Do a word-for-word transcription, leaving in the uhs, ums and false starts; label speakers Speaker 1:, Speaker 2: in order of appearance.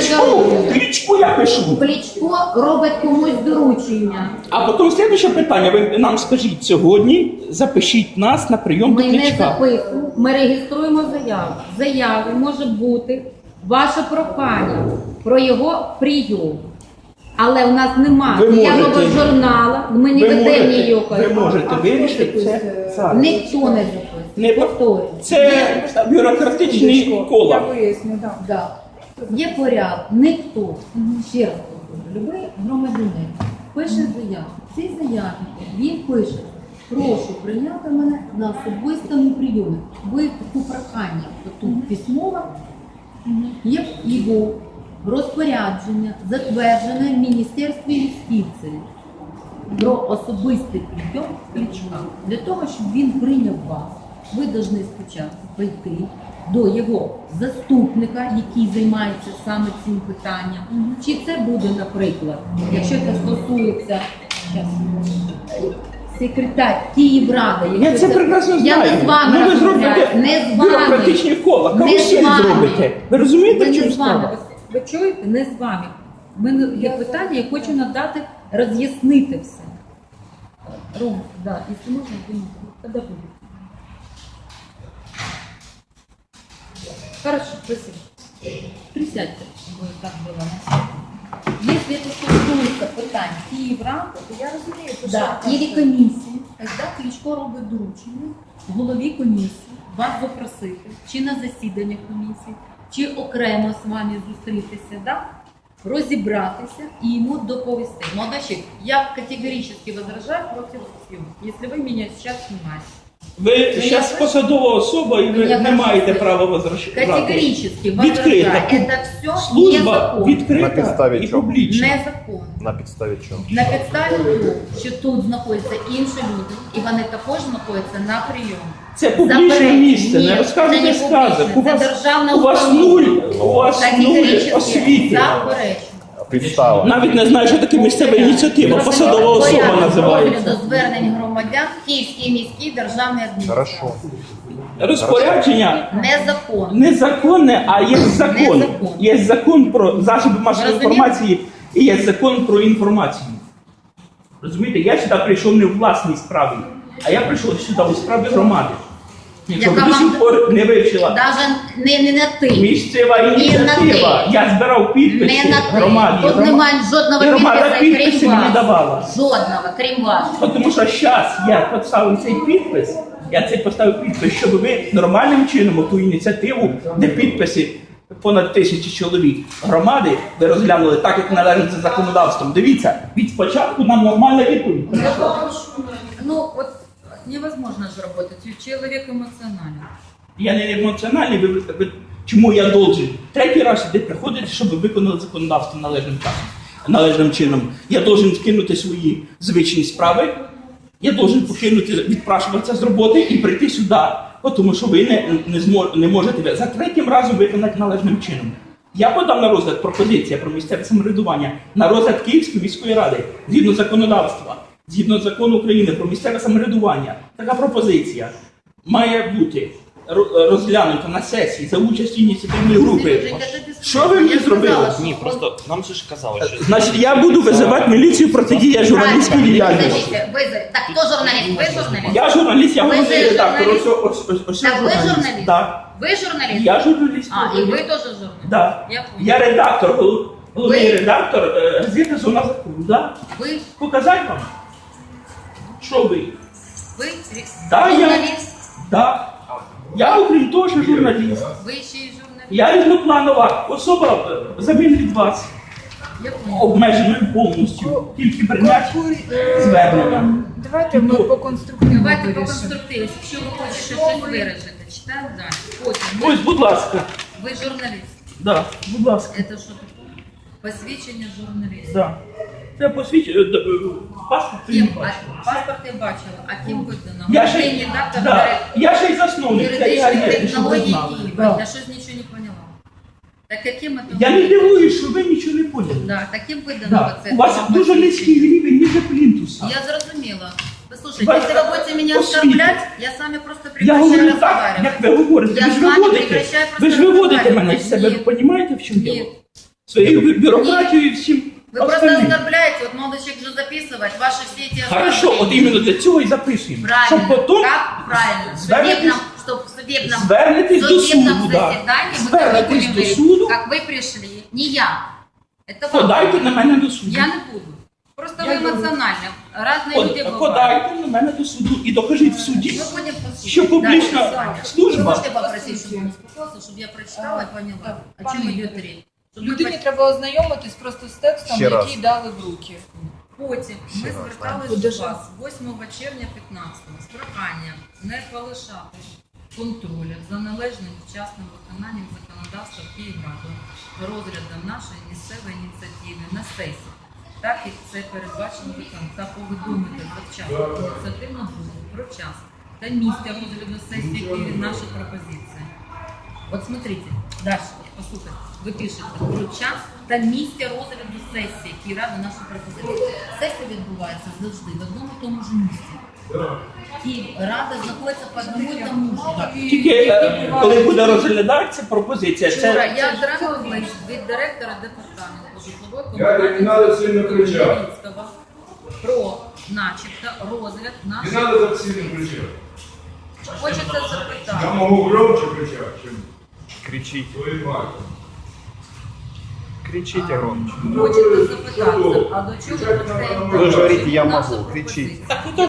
Speaker 1: Кличку, Кличку я пишу.
Speaker 2: Кличко робить комусь доручення.
Speaker 1: А потім слідуюче питання, ви нам скажіть сьогодні, запишіть нас на прийом
Speaker 2: Ми
Speaker 1: до
Speaker 2: не
Speaker 1: Кличка.
Speaker 2: записуємо, ми реєструємо заяву. В заяві може бути ваше прохання про його прийом. Але у нас немає
Speaker 1: Ви
Speaker 2: ніякого
Speaker 1: можете-
Speaker 2: журнала, ми не
Speaker 1: Ви
Speaker 2: ведемо
Speaker 1: можете,
Speaker 2: ніякої.
Speaker 1: ви можете вирішити це зараз.
Speaker 2: Ніхто не записує.
Speaker 1: Не
Speaker 2: Повторюю.
Speaker 1: Це бюрократичні
Speaker 3: Я
Speaker 1: кола.
Speaker 3: виясню, так.
Speaker 2: Да. Є порядок, ніхто, ще раз кажу, любий громадянин пише заяву. В цій заяві він пише: прошу прийняти мене на особистому прийомі. Ви таку прохання, тут письмово, є його розпорядження, затверджене в Міністерстві юстиції про особистий прийом Кличка. Для того, щоб він прийняв вас, ви повинні спочатку прийти до його заступника, який займається саме цим питанням. Чи це буде, наприклад, якщо це стосується щас, секретар Київради.
Speaker 1: Я це прекрасно
Speaker 2: Я
Speaker 1: знаю.
Speaker 2: не з вами
Speaker 1: Ну, ви
Speaker 2: розмовляю,
Speaker 1: зробите
Speaker 2: не з вами.
Speaker 1: бюрократичні кола.
Speaker 2: Не
Speaker 1: Кому
Speaker 2: з
Speaker 1: ще
Speaker 2: вами.
Speaker 1: зробите? Ви розумієте,
Speaker 2: Ви
Speaker 1: в чому
Speaker 2: не з вами.
Speaker 1: справа?
Speaker 2: Ви чуєте? Не з вами. У мене є питання, я хочу надати, роз'яснити все. Ром, да, якщо можна, то коли буде? Хорошо, спасибо. Присядьте, чтобы так было. Если это стосується питань Київради,
Speaker 3: Я розумію, що
Speaker 2: да,
Speaker 3: що
Speaker 2: или
Speaker 3: це.
Speaker 2: комісії, тоді Кличко робить доручення голові комісії вас запросити, чи на засідання комісії, чи окремо з вами зустрітися, да? Розібратися і йому доповісти. Молодачик, я категорично возражаю проти съемки, якщо ви мене зараз знімаєте.
Speaker 1: Ви зараз посадова особа і ви
Speaker 2: Я
Speaker 1: не
Speaker 2: хочу
Speaker 1: маєте
Speaker 2: сказати,
Speaker 1: права возражати.
Speaker 2: Категорично
Speaker 1: Відкрита.
Speaker 2: возражаю. Это все
Speaker 1: Служба
Speaker 2: незаконно.
Speaker 4: На
Speaker 1: відкрита
Speaker 4: підставі
Speaker 1: і
Speaker 4: чого?
Speaker 1: публічна.
Speaker 2: Незаконно.
Speaker 4: На підставі чого?
Speaker 2: На підставі того, що тут знаходяться інші люди, і вони також знаходяться на прийомі.
Speaker 1: Це публічне
Speaker 2: Заперечую.
Speaker 1: місце,
Speaker 2: Ні,
Speaker 1: не
Speaker 2: це
Speaker 1: розказуйте
Speaker 2: не
Speaker 1: сказок. У
Speaker 2: публічне,
Speaker 1: вас,
Speaker 2: це державна
Speaker 1: у вас
Speaker 2: установа.
Speaker 1: нуль, у вас нуль
Speaker 2: Категорично
Speaker 1: освіти.
Speaker 2: заперечую.
Speaker 4: Підстава.
Speaker 1: Навіть не знаю, що таке місцева ініціатива, посадова особа
Speaker 2: Порядок
Speaker 1: називається.
Speaker 2: розгляду звернень громадян Київській міській державній адміністрації.
Speaker 4: Хорошо.
Speaker 1: Розпорядження
Speaker 2: Незаконно.
Speaker 1: незаконне, а є закон.
Speaker 2: Незаконне.
Speaker 1: Є закон про засоби масової
Speaker 2: Розумієте?
Speaker 1: інформації і є закон про інформацію. Розумієте, я сюди прийшов не в власній справі, а я прийшов сюди у справі громади. Якщо ви
Speaker 2: Яка
Speaker 1: до
Speaker 2: вам-
Speaker 1: сих пор не вивчила
Speaker 2: Навіть не, не на ти.
Speaker 1: місцева
Speaker 2: Ні, на
Speaker 1: ініціатива,
Speaker 2: ти.
Speaker 1: я збирав підписи
Speaker 2: Не на ти.
Speaker 1: громаді.
Speaker 2: Тут
Speaker 1: Грома-
Speaker 2: немає жодного
Speaker 1: і громада
Speaker 2: підпису,
Speaker 1: підписи
Speaker 2: крім
Speaker 1: мені
Speaker 2: вас.
Speaker 1: давала.
Speaker 2: Жодного, крім вас.
Speaker 1: Тому що зараз я поставив цей підпис, я цей поставив підпис, щоб ви нормальним чином ту ініціативу, де підписи понад тисячі чоловік громади, ви розглянули так, як належить за законодавством. Дивіться, від спочатку нам нормальна відповідь.
Speaker 2: Ну, вот невозможно же работать. Человек эмоционален.
Speaker 1: Я не емоціональний, ви, ви, чому я должен? Третій раз сюди приходити, щоб ви виконали законодавство належним часом, належним чином. Я должен скинути свої звичні справи, я должен покинути, відпрашуватися з роботи і прийти сюди, тому що ви не, не, змо, не можете за третім разом виконати належним чином. Я подав на розгляд пропозиція про місцеве самоврядування на розгляд Київської міської ради згідно законодавства, згідно закону України про місцеве самоврядування. Така пропозиція має бути ро- розглянута на сесії за участю ініціативної групи. Що ви мені зробили?
Speaker 5: Ні, просто нам же ж казали, що
Speaker 1: Значить, я буду визивати міліцію протидія журналістській діяльності.
Speaker 2: Вызови. Так, кто журналист? Вы журналист?
Speaker 1: Я журналіст, я
Speaker 2: Ви
Speaker 1: головний
Speaker 2: же
Speaker 1: редактор.
Speaker 2: журналіст?
Speaker 1: Ось, ось, ось, ось
Speaker 2: Так, вы
Speaker 1: журналіст.
Speaker 2: журналист?
Speaker 1: Так.
Speaker 2: Вы журналист?
Speaker 1: Я журналіст.
Speaker 2: А, и вы тоже журналист?
Speaker 1: Да.
Speaker 2: Я понял.
Speaker 1: Я редактор, гол- головний
Speaker 2: Ви-
Speaker 1: редактор е, газети «Зона закону». Да.
Speaker 2: Вы,
Speaker 1: Показати вам? Що ви?
Speaker 2: вы
Speaker 1: Да, я-
Speaker 2: журналист?
Speaker 1: Да. Я, окрім того, що журналіст.
Speaker 2: Вы еще и журналист?
Speaker 1: Я різнопланова особа, е, замін від вас,
Speaker 2: Я понял.
Speaker 1: обмеженою повністю. Тільки прийняти звернення.
Speaker 3: Давайте ми по конструктивному
Speaker 2: Давайте по
Speaker 3: вирішимо.
Speaker 2: конструктиві. Якщо ви хочете щось виражити, читаємо далі. Потім.
Speaker 1: Ось, будь ласка.
Speaker 2: Ви журналіст.
Speaker 1: Да, будь ласка.
Speaker 2: Це що таке? Посвідчення журналіста.
Speaker 1: Да. Це посвідчення, е, е, паспорт ти не
Speaker 2: Ким?
Speaker 1: бачиш.
Speaker 2: А, паспорт я бачила. А ким видано?
Speaker 1: Я ще,
Speaker 2: Головний редактор
Speaker 1: да, я ще й засновник. Це я
Speaker 2: юридичних
Speaker 1: є, щоб ви
Speaker 2: технологій
Speaker 1: знали.
Speaker 2: Києва.
Speaker 1: Да.
Speaker 2: Я щось нічого не поняла. Так яким это?
Speaker 1: Я не дивуюсь, що ви нічого не поняли.
Speaker 2: Да, таким видано
Speaker 1: Да.
Speaker 2: оце.
Speaker 1: У вас
Speaker 2: вам
Speaker 1: дуже
Speaker 2: посвідчення.
Speaker 1: низький рівень ніже плінтуса.
Speaker 2: Я зрозуміла. Послушайте,
Speaker 1: Вас-
Speaker 2: если вы будете меня
Speaker 1: освіти.
Speaker 2: оскорблять, я с вами просто
Speaker 1: Я
Speaker 2: прекращаю
Speaker 1: говорю так,
Speaker 2: разговаривать.
Speaker 1: як ви говорите.
Speaker 2: Я
Speaker 1: Ви ж
Speaker 2: з вами
Speaker 1: виводите,
Speaker 2: прекращаю
Speaker 1: ви ж
Speaker 2: просто
Speaker 1: виводите
Speaker 2: розмовляти.
Speaker 1: мене з себе, ви
Speaker 2: Ні.
Speaker 1: розумієте, в чому
Speaker 2: Ні.
Speaker 1: діло? своєю бю- бюрократією і всім.
Speaker 2: Вы просто
Speaker 1: остальним.
Speaker 2: оскорбляете, вот молодой человек же записывать ваши все эти
Speaker 1: Хорошо, от іменно для цього і записуємо. Щоб
Speaker 2: Правильно,
Speaker 1: потім
Speaker 2: как правильно? В
Speaker 1: звернетесь-
Speaker 2: судебном, чтобы в судебном,
Speaker 1: звернетесь
Speaker 2: в
Speaker 1: до
Speaker 2: судебном
Speaker 1: суду, да.
Speaker 2: заседании мы
Speaker 1: Звернетесь
Speaker 2: будем
Speaker 1: до
Speaker 2: говорить,
Speaker 1: суду.
Speaker 2: как вы пришли, не я. Это вам.
Speaker 1: подайте на мене до суду.
Speaker 2: Я не буду. Просто
Speaker 3: Я
Speaker 2: вы эмоционально. Разные
Speaker 1: Под-
Speaker 2: люди бывают.
Speaker 1: Подайте на мене до суду і докажіть в суді,
Speaker 2: Мы будем послушать.
Speaker 1: що публічна
Speaker 2: Дальше. Вы
Speaker 1: служба.
Speaker 2: можете попросить, чтобы он успокоился, чтобы я прочитала и поняла, о чем
Speaker 3: Пане
Speaker 2: идет
Speaker 3: Юрій,
Speaker 2: речь. Щоб ми
Speaker 3: Людині треба ознайомитись просто з текстом,
Speaker 4: Ще раз.
Speaker 3: який дали в руки.
Speaker 2: Потім ми
Speaker 4: Ще раз,
Speaker 2: зверталися
Speaker 3: Куди
Speaker 2: до
Speaker 3: ж?
Speaker 2: вас восьмого червня п'ятнадцятого з проханням не полишати контролю за належним вчасним виконанням законодавства Київради розглядом нашої місцевої ініціативи на сесії, так як це передбачено законом, та повідомити завчасно ініціативну групу про час та місце розгляду сесії Києві наші пропозиції. От смотрите, дальше, послухайте, ви пишете про час та місце розгляду сесії Київради нашої пропозиції. Сесія відбувається завжди в одному і тому ж місці. І рада знаходиться по одному і тому ж.
Speaker 1: Тільки е, коли буде розглядатися пропозиція,
Speaker 2: Вчора
Speaker 1: це
Speaker 2: я отримала лист від директора департаменту житлової
Speaker 6: Я не надо сильно кричати.
Speaker 2: Київського про начебто розгляд
Speaker 6: Не
Speaker 2: нашої.
Speaker 6: надо так сильно кричать.
Speaker 2: Хочеться
Speaker 6: Я
Speaker 2: запитати.
Speaker 6: могу громче кричать, чем
Speaker 4: Кричите.
Speaker 6: твои мать.
Speaker 4: Кричите громче.
Speaker 2: Хочеться запитати, а до чого
Speaker 6: Кричать надо
Speaker 2: потрібно
Speaker 6: на
Speaker 4: Вы же говорите, я
Speaker 2: наша
Speaker 4: могу.
Speaker 2: пропозиція?
Speaker 4: Кричите.
Speaker 1: так